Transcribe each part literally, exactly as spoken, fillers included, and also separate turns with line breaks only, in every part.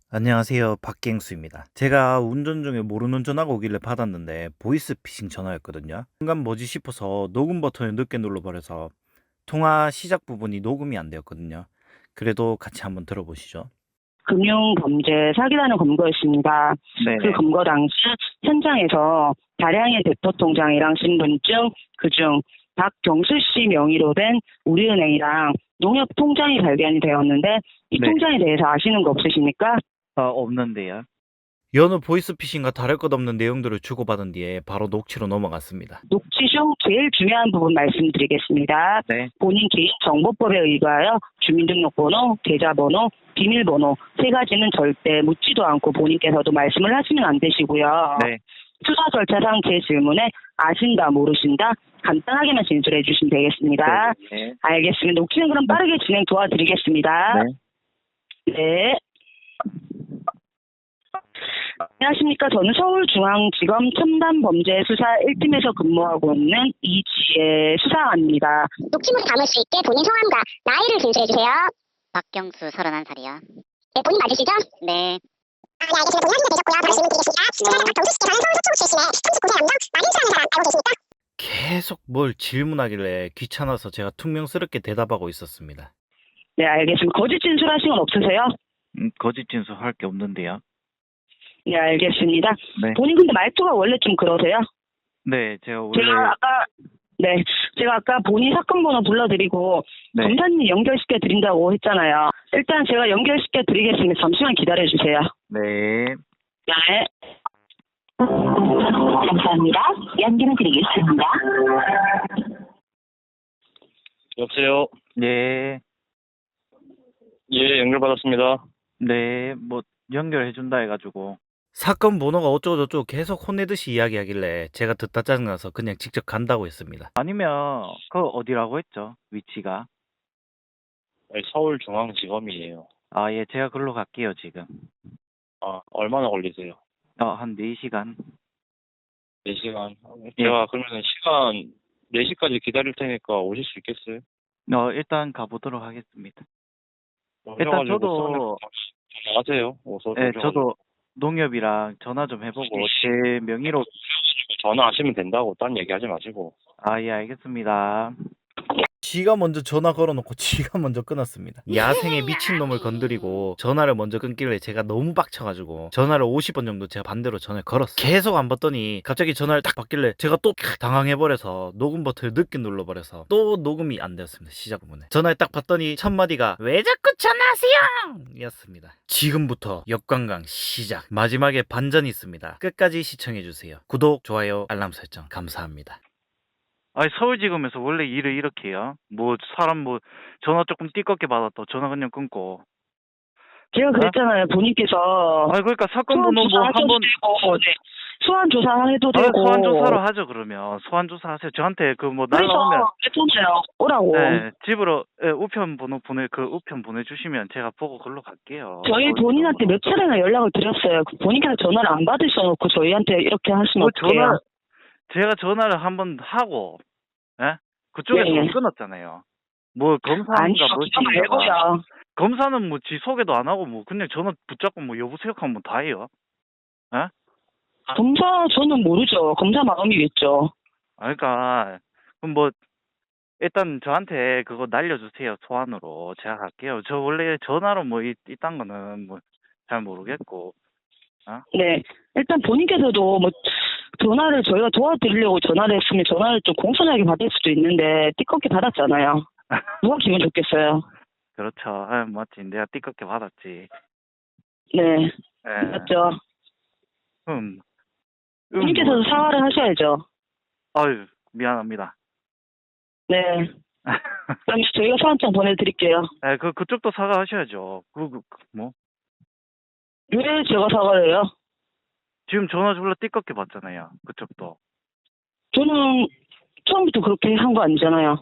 안녕하세요. 박갱수입니다. 제가 운전 중에 모르는 전화가 오길래 받았는데 보이스피싱 전화였거든요. 순간 뭐지 싶어서 녹음 버튼을 늦게 눌러버려서 통화 시작 부분이 녹음이 안 되었거든요. 그래도 같이 한번 들어보시죠.
금융범죄 사기라는 검거였습니다. 그
네네.
검거 당시 현장에서 다량의 대포 통장이랑 신분증, 그중 박경수 씨 명의로 된 우리은행이랑 농협 통장이 발견이 되었는데 이
네.
통장에 대해서 아시는 거 없으십니까?
아, 없는데요. 여느 보이스피싱과 다를 것 없는 내용들을 주고받은 뒤에 바로 녹취로 넘어갔습니다.
녹취 중 제일 중요한 부분 말씀드리겠습니다.
네.
본인 개인정보법에 의거하여 주민등록번호, 계좌번호, 비밀번호 세 가지는 절대 묻지도 않고 본인께서도 말씀을 하시면 안 되시고요.
네.
수사 절차상 제 질문에 아신다, 모르신다 간단하게만 진술해 주시면 되겠습니다.
네.
알겠습니다. 녹취는 그럼 빠르게 진행 도와드리겠습니다.
네.
네. 안녕하십니까. 저는 서울중앙지검 첨단범죄수사 일 팀에서 근무하고 있는 이지혜 수사관입니다.
녹취물을 담을 수 있게 본인 성함과 나이를 진술해주세요.
박경수 서른한 살이요.
네, 본인 맞으시죠?
네.
아, 네, 알겠습니다. 본인 확인이 되셨고요. 바로 질문드리겠습니다. 수사관 박경수 씨께서는 서울 서초구 출신의 삼십구 세 남성 마린수라는 사람 알고 계십니까?
계속 뭘 질문하길래 귀찮아서 제가 퉁명스럽게 대답하고 있었습니다.
네, 알겠습니다. 거짓 진술하신 건 없으세요?
음, 거짓 진술 할 게 없는데요.
네, 알겠습니다.
네.
본인 근데 말투가 원래 좀 그러세요?
네, 제가 원래
제가 아까 네, 제가 아까 본인 사건 번호 불러드리고
네.
검사님 연결시켜 드린다고 했잖아요. 일단 제가 연결시켜 드리겠습니다. 잠시만 기다려 주세요.
네.
네. 감사합니다. 연결해 드리겠습니다.
여보세요.
네.
예, 연결받았습니다.
네, 뭐 연결해준다 해가지고 사건 번호가 어쩌고저쩌고 계속 혼내듯이 이야기하길래 제가 듣다 짜증나서 그냥 직접 간다고 했습니다. 아니면 그 어디라고 했죠? 위치가?
아니, 서울중앙지검이에요.
아, 예, 제가 글로 갈게요, 지금.
아, 얼마나 걸리세요?
어, 한 네 시간.
네 시간.
예.
제가 그러면 시간 네 시까지 기다릴 테니까 오실 수 있겠어요?
어, 일단 가보도록 하겠습니다. 일단
오셔가지고
저도
나가세요. 오서.
예,
오셔가지고.
저도 농협이랑 전화 좀 해보고 제 명의로
전화하시면 된다고 딴 얘기하지 마시고.
아, 예, 알겠습니다. 지가 먼저 전화 걸어놓고 지가 먼저 끊었습니다. 야생의 미친놈을 건드리고 전화를 먼저 끊길래 제가 너무 빡쳐가지고 전화를 오십 번 정도 제가 반대로 전화를 걸었어요. 계속 안 받더니 갑자기 전화를 딱 받길래 제가 또 당황해버려서 녹음 버튼을 늦게 눌러버려서 또 녹음이 안 되었습니다. 시작 부분에. 전화를 딱 받더니 첫 마디가 왜 자꾸 전화하세요? 이었습니다. 지금부터 역관광 시작. 마지막에 반전이 있습니다. 끝까지 시청해주세요. 구독, 좋아요, 알람 설정 감사합니다. 아니 서울지검에서 원래 일을 이렇게 해요. 뭐 사람 뭐 전화 조금 띠껍게 받았다 전화 그냥 끊고.
제가 그랬잖아요. 본인께서
아니 그러니까 사건
소환
번호 뭐
조사하셔도
한번
되고, 네. 소환 조사해도
아,
되고.
소환 조사를 하죠 그러면 소환 조사하세요. 저한테 그 뭐
그래서
날라오면
했잖아요. 오라고.
네, 집으로 예, 우편 번호 보내 그 우편 보내주시면 제가 보고 글로 갈게요.
저희
서울지검으로.
본인한테 몇 차례나 연락을 드렸어요. 그 본인께서 전화를 안 받으셔놓고 저희한테 이렇게 하시면
뭐
어떡해요?
전화 제가 전화를 한번 하고 예? 그쪽에서
네.
끊었잖아요. 뭐
아니요,
검사인가
그거
뭐지
말고요.
검사는 뭐 지 소개도 안 하고 뭐 그냥 전화 붙잡고 뭐 여보세요 하면 다 해요. 예?
검사 저는 모르죠. 검사 마음이겠죠.
아, 그러니까 그럼 뭐 일단 저한테 그거 날려주세요 소환으로 제가 갈게요. 저 원래 전화로 뭐 이, 이딴 거는 뭐 잘 모르겠고. 어?
네. 일단 본인께서도 뭐 전화를 저희가 도와드리려고 전화를 했으면 전화를 좀 공손하게 받을 수도 있는데 띠껍게 받았잖아요. 누가 기분 좋겠어요?
그렇죠. 아, 맞지. 내가 띠껍게 받았지.
네.
예.
맞죠?
음. 음,
본인께서도
뭐,
사과를 하셔야죠.
아유 미안합니다.
네. 그럼 저희가 소환장 보내드릴게요.
예, 그 그쪽도 사과하셔야죠. 그, 그, 그 뭐.
왜 제가 사과를 해요?
지금 전화 졸라 띠껍게 받잖아요. 그쪽도.
저는 처음부터 그렇게 한 거 아니잖아요.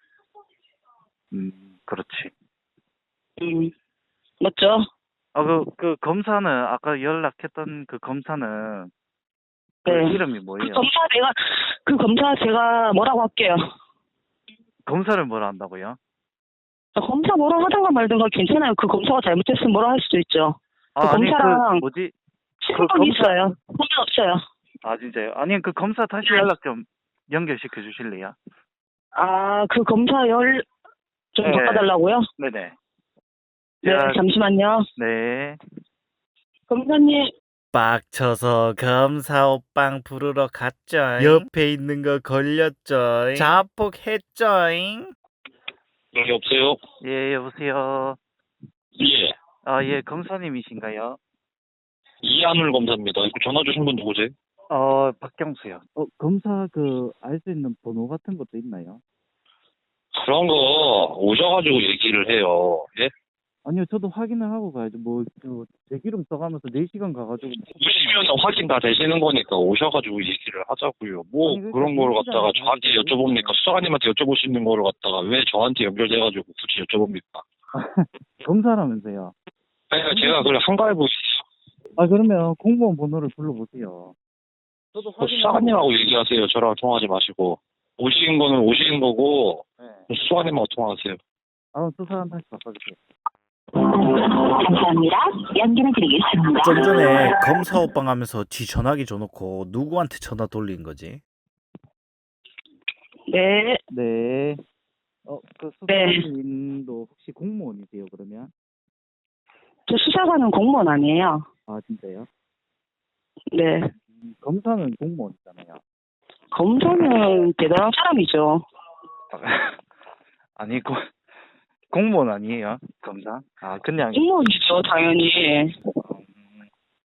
음, 그렇지.
음, 맞죠?
아, 그, 그 검사는 아까 연락했던 그 검사는 그
네.
이름이
그
뭐예요?
검사 내가, 그 검사 제가 뭐라고 할게요.
검사를 뭐라 한다고요?
검사 뭐라 하든가 말든가 괜찮아요. 그 검사가 잘못했으면 뭐라 할 수도 있죠.
아,
그
아니
검사랑
그 뭐지?
신분
검사-
있어요. 보면 없어요.
아 진짜요? 아니 그 검사 다시 연락 좀 연결시켜 주실래요?
아, 그 검사 열 좀
네.
바꿔달라고요?
네네.
네,
제가-
잠시만요.
네.
검사님,
빡쳐서 검사 오빵 부르러 갔죠. 옆에 있는 거 걸렸죠. 자폭했죠잉.
여기 없어요?
예, 여보세요.
예.
아, 예, 검사님이신가요?
이한울 검사입니다. 이거 전화 주신 분 누구지?
어, 박경수요. 어, 검사 그 알 수 있는 번호 같은 것도 있나요?
그런 거 오셔가지고 얘기를 해요. 예?
아니요, 저도 확인을 하고 가야죠. 뭐, 저, 제 기름 써가면서 네 시간 가가지고.
오시면 확인 다 되시는 거니까 오셔가지고 얘기를 하자고요. 뭐
아니, 그러니까
그런 거를
얘기잖아요.
갖다가 저한테 여쭤봅니까? 수사관님한테 여쭤볼 수 있는 거를 갖다가 왜 저한테 연결돼가지고 굳이 여쭤봅니까?
검사라면서요.
그러니까 제가 그걸 한가해보
아, 그러면 공무원 번호를 불러보세요. 저도
그 수사관님하고 얘기하세요. 저랑 통화하지 마시고. 오신 거는 오신 거고
네.
수사관님하고 통화하세요.
아, 수사관 다시 바꿔주세요.
감사합니다. 연결해 드리겠습니다.
좀 전에 검사 오빵 하면서 지 전화기 줘놓고 누구한테 전화 돌린 거지?
네,
네. 어, 그
네.
수사관님도 혹시 공무원이세요, 그러면?
저 수사관은 공무원 아니에요.
아, 진짜요?
네,
음, 검사는 공무원이잖아요.
검사는 대단한 사람이죠.
아니, 고, 공무원 아니에요, 검사? 아, 그냥.
공무원이죠, 당연히.
음,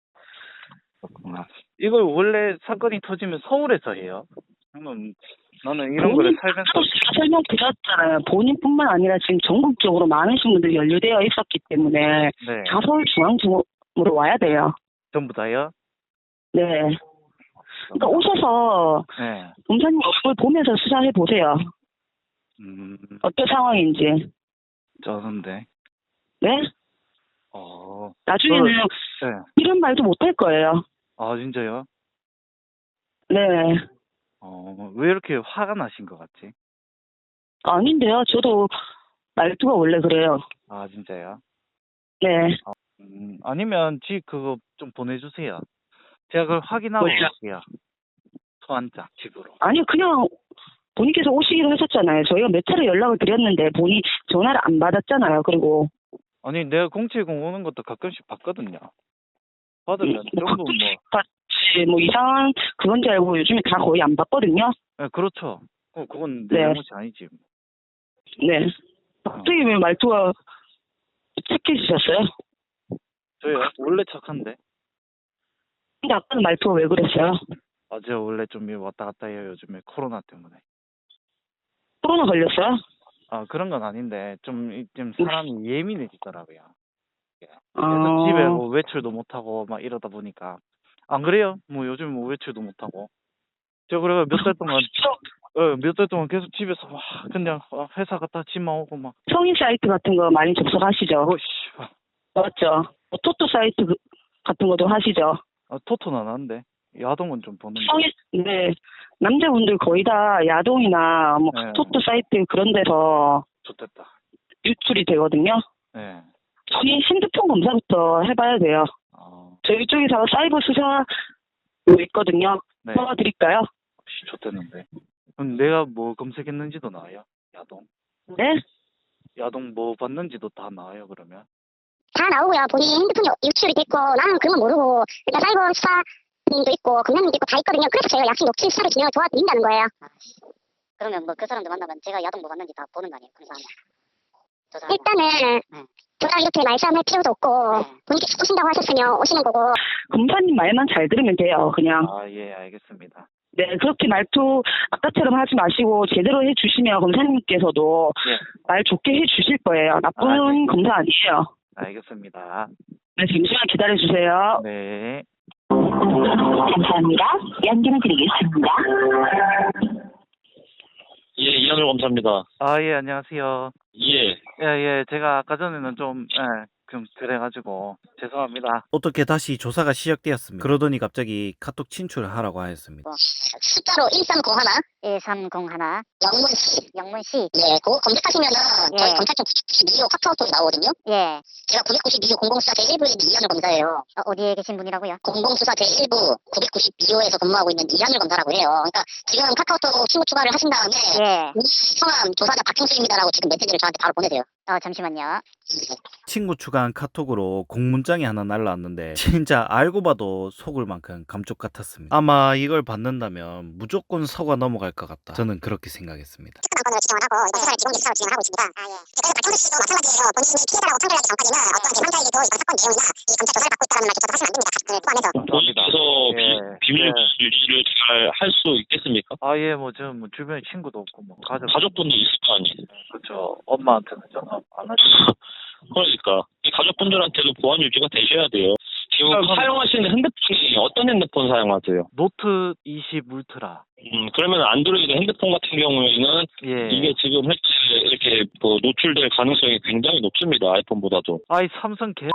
그렇구나. 이걸 원래 사건이 터지면 서울에서 해요? 저는, 나는 이런 거를 살면서.
설명 드렸잖아요. 본인뿐만 아니라 지금 전국적으로 많으신 분들이 연루되어 있었기 때문에
네.
다 서울중앙지검으로 와야 돼요.
전부 다요?
네. 그러니까 오셔서
네.
검사님 얼굴 보면서 수사해 보세요.
음,
어떤 상황인지.
저는데.
네?
어,
나중에는
네.
이런 말도 못 할 거예요.
아, 진짜요?
네.
어, 왜 이렇게 화가 나신 것 같지?
아닌데요. 저도 말투가 원래 그래요.
아, 진짜요?
네.
음, 아니면 지 그거 좀 보내주세요. 제가 그걸 확인하고
뭐요?
갈게요. 소환장 집으로.
아니요, 그냥 본인께서 오시기로 하셨잖아요. 저희가 몇 차례 연락을 드렸는데 본인 전화를 안 받았잖아요. 그리고
아니 내가 공칠공 오는 것도 가끔씩 봤거든요. 받으면
뭐
전부 뭐.
같이 뭐 이상한 그건지 알고 요즘에 다 거의 안 받거든요.
네, 그렇죠. 어, 그건 내
네.
잘못이 아니지.
네. 갑자기 왜 말투가 착해지셨어요?
저요? 원래 착한데.
근데 아까는 말투가 왜 그랬어요?
아, 제가 원래 좀 왔다 갔다 해요. 요즘에 코로나 때문에.
코로나 걸렸어요?
아, 그런 건 아닌데 좀, 이- 좀 사람이 예민해지더라고요. 그래서
어...
집에 뭐 외출도 못하고 막 이러다 보니까. 안 그래요? 뭐 요즘 뭐 외출도 못하고. 제가 그래가 몇 달 동안 어, 몇 달 동안 계속 집에서 막 그냥 회사 갔다 집만 오고 막.
성인 사이트 같은 거 많이 접속하시죠?
어씨.
맞죠? 뭐 토토 사이트 그- 같은 것도 하시죠?
아, 토토는 안 하는데. 야동은 좀 보는데.
성인, 네. 남자분들 거의 다 야동이나 뭐
네.
토토 사이트 그런 데서
좋됐다.
유출이 되거든요.
네.
저희 핸드폰 검사부터 해봐야 돼요.
아,
저희 쪽에서 사이버 수사 있거든요.
네.
도와드릴까요?
씨, 좋됐는데. 그럼 내가 뭐 검색했는지도 나와요? 야동.
네?
야동 뭐 봤는지도 다 나와요, 그러면?
다 나오고요. 본인 핸드폰이 유출이 됐고 나는 그런 건 모르고 일단 사이버 수사님도 있고 검사님도 있고 다 있거든요. 그래서 저희가 약식 녹취 수사를 진행을 도와드린다는 거예요.
그러면 뭐 그 사람들 만나면 제가 야동 뭐 봤는지 다 보는 거 아니에요? 그런 사람. 저 사람.
일단은
네.
저랑 이렇게 말싸움할 필요도 없고
네.
본인께서 오신다고 하셨으면 오시는 거고
검사님 말만 잘 들으면 돼요. 그냥.
아, 예, 알겠습니다.
네, 그렇게 말투 아까처럼 하지 마시고 제대로 해주시면 검사님께서도
예,
말 좋게 해주실 거예요. 나쁜
아, 네.
검사 아니에요.
알겠습니다.
네, 잠시만 기다려주세요.
네.
감사합니다. 연결해 드리겠습니다.
예, 이한울 검사입니다.
아, 예, 안녕하세요.
예.
예, 예, 제가 아까 전에는 좀, 예, 좀 그래가지고 죄송합니다. 어떻게 다시 조사가 시작되었습니다. 그러더니 갑자기 카톡 친출을 하라고 하였습니다.
숫자로 일삼공일
일삼공일
영문씨.
영문씨.
예, 그거 검색하시면은
예.
저희 검찰청 구백구십이 호 카카오톡이 나오거든요.
예.
제가 구백구십이 호 공공수사 제일 부의 이한을 검사예요.
어, 어디에 계신 분이라고요?
공공수사 제일 부 구백구십이 호에서 근무하고 있는 이한을 검사라고 해요. 그러니까 지금 카카오톡 친구 추가를 하신 다음에
예.
이 성함 조사자 박형수입니다라고 지금 메시지를 저한테 바로 보내세요.
어, 잠시만요.
친구 추가한 카톡으로 공문장이 하나 날라왔는데 진짜 알고 봐도 속을 만큼 감쪽 같았습니다. 아마 이걸 받는다면 무조건 서가 넘어갈 것 같다. 저는 그렇게 생각했습니다.
건을 지정을 하고 이번 수사를 지금 수사로 진행을 하고 있습니다. 아, 예. 그래서 박형수 씨도 마찬가지예요. 본인이 피해자라고 판결하기 전까지는 어떤 제삼자에게도 이번 사건 내용이나 이 검찰 조사를 받고 있다는 말조차도 하시면 안 됩니다. 그 포함해서.
그래서
예.
비밀 유지를 잘 할 수 있겠습니까?
아, 예, 뭐, 저, 뭐, 주변에 친구도 없고, 뭐, 가족.
가족분도 있을 거 아니에요.
그렇죠. 엄마한테는 전화 안 하죠.
그러니까 이 가족분들한테도 보안 유지가 되셔야 돼요. 지금
그럼-
사용하시는 핸드폰이 어떤 핸드폰 사용하세요?
노트 이십 울트라.
음, 그러면 안드로이드 핸드폰 같은 경우에는
예.
이게 지금 현재 이렇게 뭐 노출될 가능성이 굉장히 높습니다. 아이폰보다도.
아이, 삼성 개.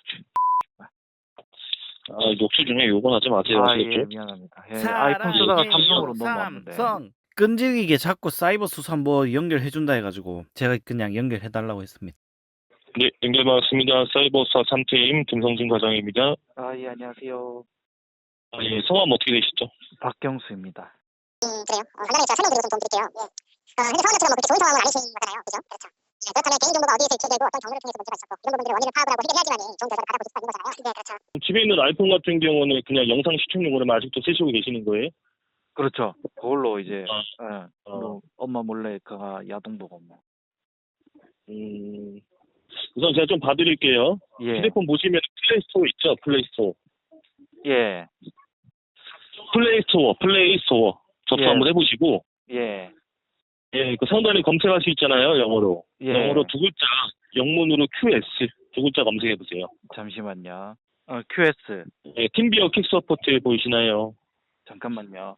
아, 녹취 중에 욕은 하지 마세요.
아, 예,
아시겠죠?
미안합니다. 예, 아이폰 쓰다가 삼성으로 넘어왔는데. 끈질기게 자꾸 사이버 수사 한번 연결해준다 해가지고 제가 그냥 연결해달라고 했습니다.
네, 연결 받았습니다. 사이버사 삼 팀 김성진 과장입니다.
아, 예, 안녕하세요.
아, 예, 성함 어떻게 되시죠?
음,
박경수입니다.
그래요. 어, 간단하게 제가 설명드리고 좀 도움 드릴게요. 예. 어, 현재 상황처럼 뭐 그렇게 좋은 상황은 아니신 거잖아요. 그죠? 그렇죠. 예, 그렇다면 개인정보가 어디에서 유출되고 어떤 경로를 통해서 문제가 있었고 이런 부분들을 원인을 파악을 하고 해결해야지만이 좋은 결과를 받아볼 수가 있는 거잖아요. 네, 그렇죠.
집에 있는 아이폰 같은 경우는 그냥 영상 시청용으로만 아직도 쓰시고 계시는 거예요?
그렇죠. 그걸로 이제
아,
예,
어.
뭐 엄마 몰래 그가 야동 보고 뭐.
음, 우선 제가 좀 봐드릴게요.
예.
휴대폰 보시면 플레이스토어 있죠? 플레이스토어.
예.
플레이스토어, 플레이스토어. 접수
예.
한번 해보시고,
예.
예, 그 상단에 검색할 수 있잖아요, 영어로.
예.
영어로 두 글자, 영문으로 큐에스 두 글자 검색해보세요.
잠시만요. 어, 큐에스.
예, 팀비어 킥 서포트 보이시나요?
잠깐만요.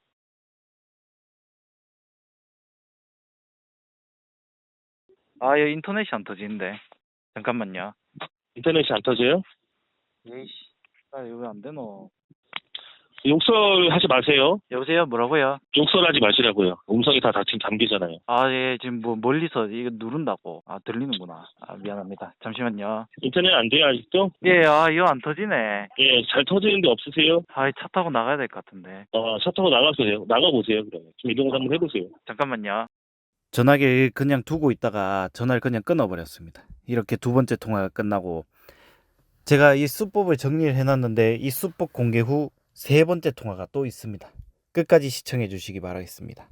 아, 여 인터넷이 안 터지는데. 잠깐만요.
인터넷이 안 터져요?
예이씨. 아, 이거 왜 안 되노?
욕설하지 마세요.
여보세요? 뭐라고요?
욕설하지 마시라고요. 음성이 다 지금 잠기잖아요.
아, 예, 지금 뭐 멀리서 이거 누른다고. 아, 들리는구나. 아, 미안합니다. 잠시만요.
인터넷 안 돼요, 아직도?
예, 아, 이거 안 터지네.
예, 잘 터지는데 없으세요?
아, 차 타고 나가야 될 것 같은데.
어, 차 타고 나가세요. 나가보세요, 그러면. 좀 이동을 한번 해보세요.
잠깐만요. 전화기를 그냥 두고 있다가 전화를 그냥 끊어버렸습니다. 이렇게 두 번째 통화가 끝나고 제가 이 수법을 정리를 해놨는데 이 수법 공개 후 세 번째 통화가 또 있습니다. 끝까지 시청해 주시기 바라겠습니다.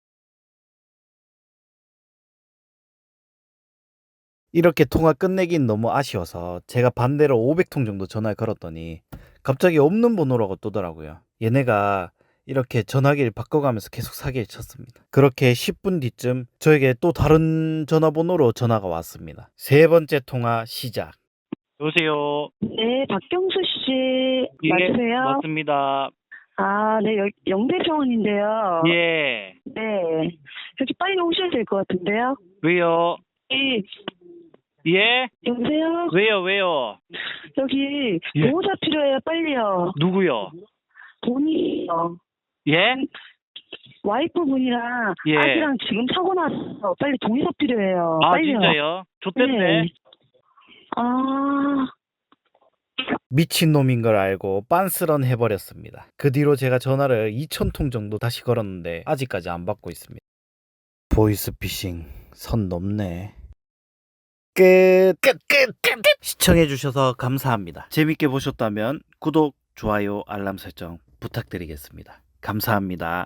이렇게 통화 끝내긴 너무 아쉬워서 제가 반대로 오백 통 정도 전화를 걸었더니 갑자기 없는 번호라고 뜨더라고요. 얘네가 이렇게 전화기를 바꿔가면서 계속 사기를 쳤습니다. 그렇게 십 분 뒤쯤 저에게 또 다른 전화번호로 전화가 왔습니다. 세 번째 통화 시작. 여보세요.
네, 박경수 씨 맞으세요?
예, 맞습니다.
아, 네, 여- 영대병원인데요.
예.
네, 여기 빨리 오셔야 될 것 같은데요.
왜요?
이,
예?
여보세요?
왜요? 왜요?
여기
예.
보호자 필요해요, 빨리요.
누구요?
본인이요.
예?
와이프 분이랑
예.
아기랑 지금 사고 났어. 빨리 동의서 필요해요.
아,
빨리요.
진짜요? 좋댔네.
네. 아,
미친놈인 걸 알고 빤스런 해버렸습니다. 그 뒤로 제가 전화를 이천 통 정도 다시 걸었는데 아직까지 안 받고 있습니다. 보이스피싱 선 넘네. 끝! 끝! 끝! 끝! 끝! 시청해주셔서 감사합니다. 재밌게 보셨다면 구독, 좋아요, 알람 설정 부탁드리겠습니다. 감사합니다.